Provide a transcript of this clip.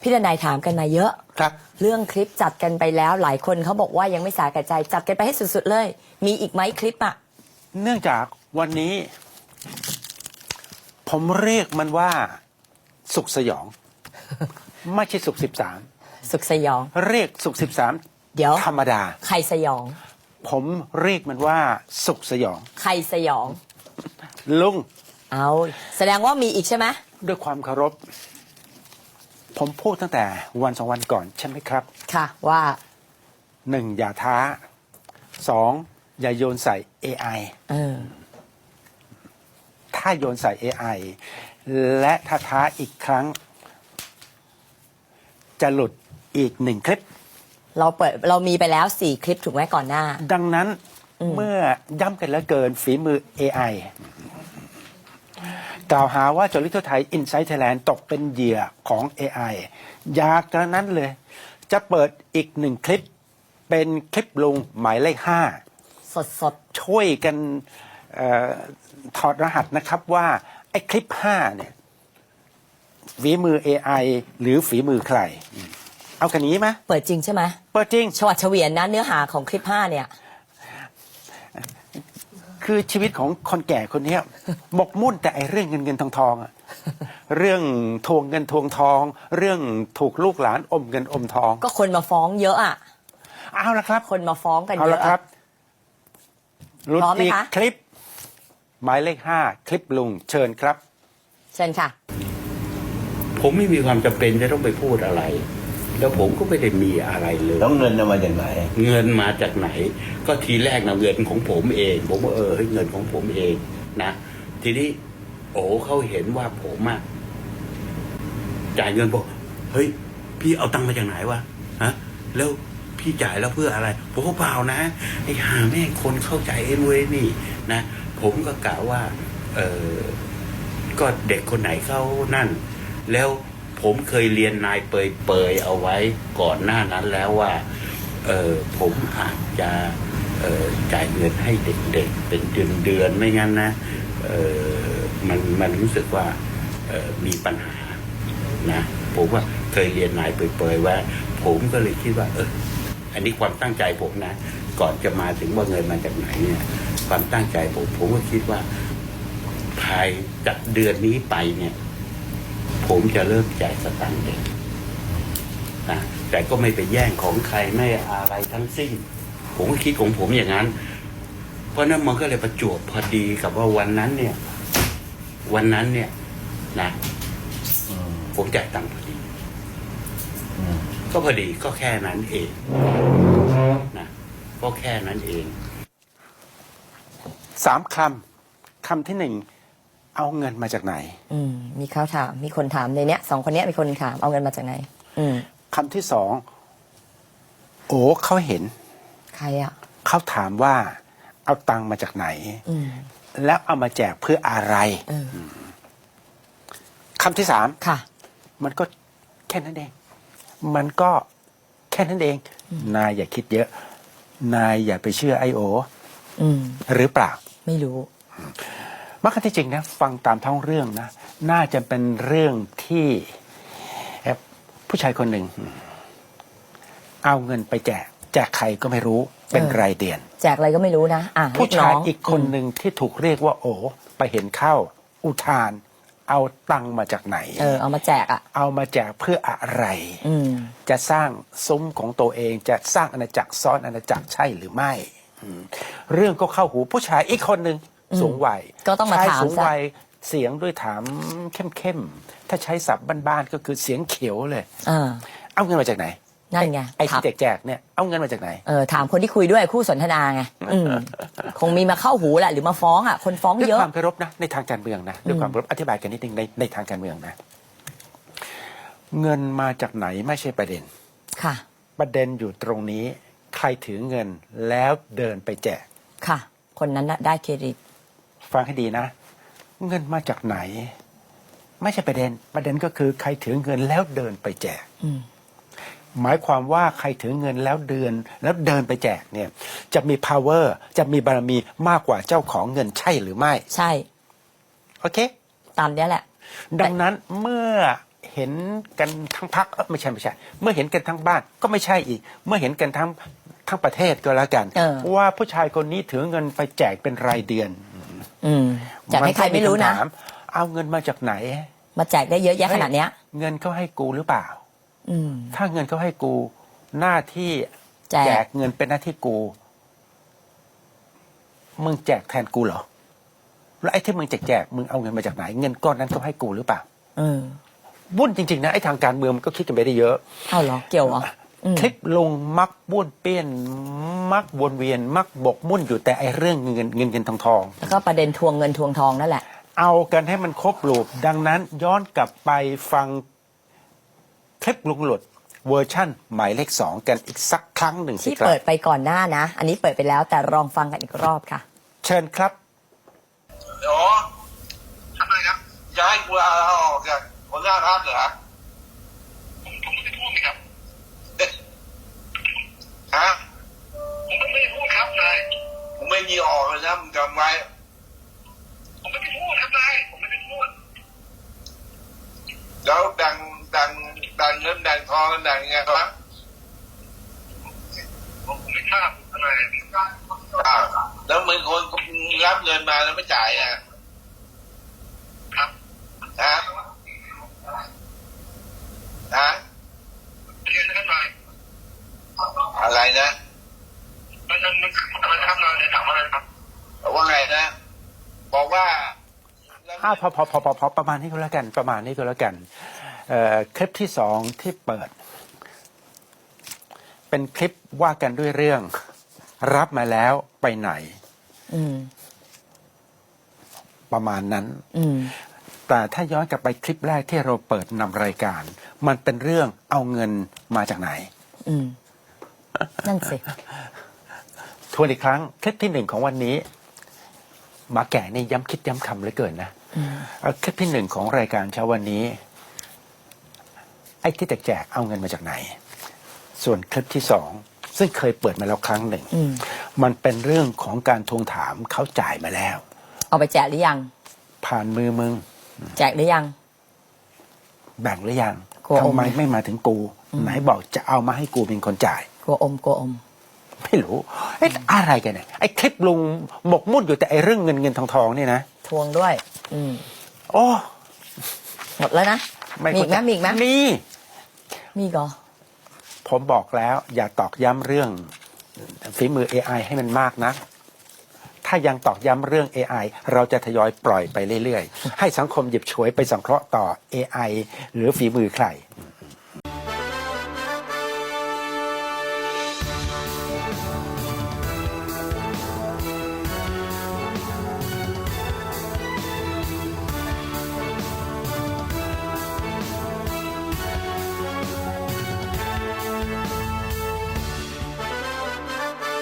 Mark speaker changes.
Speaker 1: พี่ดนัยถามกันมาเยอะ
Speaker 2: ครับ
Speaker 1: เรื่องคลิปจัดกันไปแล้วหลายคนเขาบอกว่ายังไม่สาแก่ใจจัดกันไปให้สุดๆเลย มีอีกไหมคลิปอ่ะ
Speaker 2: เนื่องจากวันนี้ ผมเรียกมันว่าสุขสยอง ไม่ใช่สุข13
Speaker 1: สุขสยอง
Speaker 2: เรียกสุข13
Speaker 1: เดี๋ยว
Speaker 2: ธรรมดา
Speaker 1: ใครสยอง
Speaker 2: ผมเรียกมันว่าสุขสยอง
Speaker 1: ใครสยอง
Speaker 2: ลุง
Speaker 1: เอาแสดงว่ามีอีกใช่ไหม
Speaker 2: ด้วยความเคารพ ผมพูดตั้งแต่วัน2 วันก่อนใช่ไหมครับ
Speaker 1: ค่ะว่า
Speaker 2: 1. อย่าท้า 2. อย่าโยนใส่ AI ถ้าโยนใส่ AI และถ้าท้าอีกครั้ง จะหลุดอีก1 คลิป
Speaker 1: เรามีไปแล้ว4 คลิปถูกไหมก่อนหน้า
Speaker 2: ดังนั้นเมื่อย้ำกันแล้วเกินฝีมือ AI กล่าวหาว่าจอริทั่วไทย Inside Thailand ตกเป็นเหยื่อของ AI อยากกระนั้นเลย จะเปิดอีก1 คลิป เป็นคลิปลุงหมายเลข
Speaker 1: สด
Speaker 2: 5 ช่วยกันถอดรหัสนะครับว่าไอ้คลิป 5 เนี่ยฝีมือ AI หรือฝีมือใคร เอากันนี้ไหม
Speaker 1: ๆเปิดจริงใช่ไหม
Speaker 2: เปิดจริง
Speaker 1: ชวัดเฉวียนนะเนื้อหาของคลิป 5 เนี่ย
Speaker 2: คือชีวิตของคนแก่คนเนี้ย หมกมุ่นแต่ไอ้เรื่องเงินเงินทองทองอะเรื่องทวงเงินทวงทอง เรื่องถูกลูกหลานอมเงินอมทอง
Speaker 1: ก็คนมาฟ้องเยอะอ่ะ
Speaker 2: เอาละครับ
Speaker 1: คนมาฟ้องกัน
Speaker 2: เอา
Speaker 1: เย
Speaker 2: ละ
Speaker 1: อะ
Speaker 2: ครับรุ่น
Speaker 1: พร้อมไหม
Speaker 2: อีก
Speaker 1: คะ
Speaker 2: คลิป หมายเลข 5 คลิปลุงเชิญครับ
Speaker 1: เชิญค่ะ
Speaker 3: ผมไม่มีความจำเป็นจะต้องไปพูดอะไร แล้วผมก็ไม่ได้มีอะไรเลย
Speaker 4: แล้วเงินเอามาจากไหน
Speaker 3: เงินมาจากไหน ก็ทีแรกนะเงินของผมเอง ผมว่าเฮ้ยเงินของผมเองนะ ทีนี้โอ้เขาเห็นว่าผมอะจ่ายเงินบอกเฮ้ยพี่เอาตังค์มาจากไหนวะฮะแล้วพี่จ่ายแล้วเพื่ออะไรผมก็เปล่านะไอ้ห่าแม่งคนเข้าใจเอ็นเว้ยนี่นะผมก็กล่าวว่าก็เด็กคนไหนเขานั่น แล้วผมเคยเรียนนายเปยเอาไว้ก่อนหน้านั้นแล้วว่าผมอาจจะจ่ายเงินให้เด็กๆเป็นเดือนไม่งั้นนะมันรู้สึกว่ามีปัญหานะผมว่าเคยเรียนนายเปยว่าผมก็เลยคิดว่าอันนี้ความตั้งใจผมนะก่อนจะมาถึงว่าเงินมาจากไหนเนี่ยความตั้งใจผมก็คิดว่าภายจากเดือนนี้ไปเนี่ยผมจะเริ่มจ่ายสตางค์เด็กนะแต่ก็ไม่ไปแย่งของใครไม่อะไรทั้งสิ้นผมก็คิดของผมอย่างนั้น เพราะนั้นมันก็เลยประจวบพอดีกับว่าวันนั้นเนี่ยนะผมจ่ายตังค์พอดีก็พอดีก็แค่นั้นเองนะก็แค่นั้นเอง
Speaker 2: 3 คำที่ 1 เอาเงินมาจากไหน
Speaker 1: มีเขาถามมีคนถามในเนี้ย2 คนเนี้ยมีคนถามเอาเงินมาจากไหน
Speaker 2: คำที่ 2 โอ้เขาเห็น
Speaker 1: ใครอ่ะ
Speaker 2: เขาถามว่าเอาตังค์มาจากไหน แล้วเอามาแจกเพื่ออะไรคำที่ 3
Speaker 1: ค่ะ
Speaker 2: มันก็แค่นั้นเอง มันก็แค่นั้นเอง นายอย่าคิดเยอะ นายอย่าไปเชื่อIOหรือเปล่า
Speaker 1: ไม่รู้
Speaker 2: มักที่จริงนะฟังตามท้องเรื่องนะน่าจะเป็นเรื่องที่ผู้ชายคนหนึ่ง เอาเงินไปแจกใครก็ไม่รู้เป็นรายเดือน
Speaker 1: แจกอะไรก็ไม่รู้นะ
Speaker 2: ผู้ชายอีกคนหนึ่งที่ถูกเรียกว่าโอไปเห็นเข้าอุทาน เอาตังค์มาจากไหน
Speaker 1: เอามาแจกอ่ะ
Speaker 2: เอามาแจกเพื่ออะไรจะสร้างซุ้มของตัวเองจะสร้างอาณาจักรซ้อนอาณาจักรใช่หรือไม่เรื่องก็เข้าหูผู้ชายอีกคนหนึ่งสูงวัย
Speaker 1: ก็ต้องมาถาม
Speaker 2: สูงวัยเสียงด้วยถามเข้มๆถ้าใช้ศัพท์บ้านๆก็คือเสียงเขียวเลยเอาเงินมาจากไหน
Speaker 1: นั่นไง
Speaker 2: ไอ้ที่แจกเนี่ยเอาเงินมาจากไหน
Speaker 1: ถามคนที่คุยด้วยคู่สนทนาไงคงมีมาเข้าหูแหละหรือมาฟ้องอ่ะคนฟ้องเยอะ
Speaker 2: ด้วยความเคารพนะในทางการเมืองนะด้วยความเคารพอธิบายกันนิดนึงในทางการเมืองนะเงินมาจากไหนไม่ใช่ประเด็น
Speaker 1: ค่ะ
Speaker 2: ประเด็นอยู่ตรงนี้ใครถือเงินแล้วเดินไปแจก
Speaker 1: ค่ะคนนั้นได้เครดิต
Speaker 2: ฟังให้ดีนะเงินมาจากไหนไม่ใช่ประเด็นก็คือใครถือเงินแล้วเดินไปแจกหมายความว่าใครถือเงินแล้วเดินไปแจกเนี่ยจะมี power จะมีบารมีมากกว่าเจ้าของเงินใช่หรือไม่
Speaker 1: ใช่
Speaker 2: โอเค
Speaker 1: ตามนี้แหละ
Speaker 2: ดังนั้นเมื่อเห็นกันทั้งพักไม่ใช่เมื่อเห็นกันทั้งบ้านก็ไม่ใช่อีก เมื่อเห็นกันทั้งประเทศก็แล้วกันว่าผู้ชายคนนี้ถือเงินไปแจกเป็นรายเดือน
Speaker 1: แจกให้ใครไม่รู้นะ
Speaker 2: เอาเงินมาจากไหน
Speaker 1: มาแจกได้เยอะแยะขนาดเนี้ย
Speaker 2: เงินเขาให้กูหรือเปล่า ถ้าเงินเขาให้กูหน้าที่
Speaker 1: แจ
Speaker 2: แจ
Speaker 1: ก
Speaker 2: กเงินเป็นหน้าที่กูมึงแจกแทนกูเหรอแล้วไอ้ที่มึงแจกมึงเอาเงินมาจากไหน เงินก้อนนั้นเขาให้กูหรือเปล่าวุ่นจริงๆนะไอ้ทางการเมืองมันก็คิดกันไปได้เยอะ
Speaker 1: เอาเหรอเกี่ยวเหรอ
Speaker 2: คลิปลงมักบ้วนเปี้ยนมักวนเวียน มักบกมุ่นอยู่แต่ไอ้เรื่องเงินทอง
Speaker 1: แล้วก็ประเด็นทวงเงินทวงทองนั่นแหละ
Speaker 2: เอากันให้มันครบลูปดังนั้นย้อนกลับไปฟังคลิปลุงหลุดเวอร์ชั่นหมายเลข 2 กันอีกสักครั้งหนึ่งสิ
Speaker 1: ที่
Speaker 2: ครับ
Speaker 1: เปิดไปก่อนหน้านะ อันนี้เปิดไปแล้วแต่ลองฟังกันอีกรอบค่ะ
Speaker 2: เชิญครับ
Speaker 4: เดี๋ยวทำไมครับจะให้กูลาออกจากหัวหน้าพรรคเหรอผมไม่ได้พูดครับฮะผมไม่ได้พูดครับนายผมไม่มีออกเลยนะมึงจำไว้ผมไม่ได้พูดครับนายผมไม่ได้พูดแล้วดังเงินดังทองกันดังยังไงครับผมไม่ทราบอะไรแล้วมึงคนรับเงินมาแล้วไม่จ่ายอ่ะครับฮะเรียนกันหน่อยอะไรนะมันอะไรครับเราจะถามอะไรครับว่าไงนะบอกว่า
Speaker 2: พอประมาณนี้ก็แล้วกันคลิปที่ 2ที่เปิด เป็นคลิปว่ากันด้วยเรื่องรับมาแล้วไปไหนประมาณนั้นแต่ถ้าย้อนกลับไปคลิปแรกที่เราเปิดนำรายการ มันเป็นเรื่องเอาเงินมาจากไหน
Speaker 1: นั่นสิ
Speaker 2: ทวนอีกครั้งคลิปที่ 1ของวันนี้หมาแก่นี่ย้ำคิดย้ำคำเหลือเกินนะคลิปที่ 1ของรายการเช้าวันนี้ไอ้ที่แจกเอาเงินมาจากไหนส่วนคลิปที่ 2ซึ่งเคยเปิดมาแล้วครั้งหนึ่งมันเป็นเรื่องของการทวงถามเขาจ่ายมาแล้ว
Speaker 1: เอาไปแจกหรือยัง
Speaker 2: ผ่านมือมึง
Speaker 1: แจกหรือยัง
Speaker 2: แบ่งหรือยังทำไมไม่มาถึงกูไหนบอกจะเอามาให้กูเป็นคนจ่าย
Speaker 1: กลัวอม
Speaker 2: ไม่รู้อะไรกันเนี่ยไอ้คลิปลุงหมกมุ่นอยู่แต่ไอ้เรื่องเงินทองนี่นะ
Speaker 1: ทวงด้วย
Speaker 2: โอ้
Speaker 1: หมดแล้วนะมีอีกไหมมีเหรอ
Speaker 2: ผมบอกแล้วอย่าตอกย้ำเรื่องฝีมือ AI ให้มันมากนะถ้ายังตอกย้ำเรื่อง AI เราจะทยอยปล่อยไปเรื่อยๆให้สังคมหยิบฉวยไปสังเคราะห์ต่อ AI หรือฝีมือใคร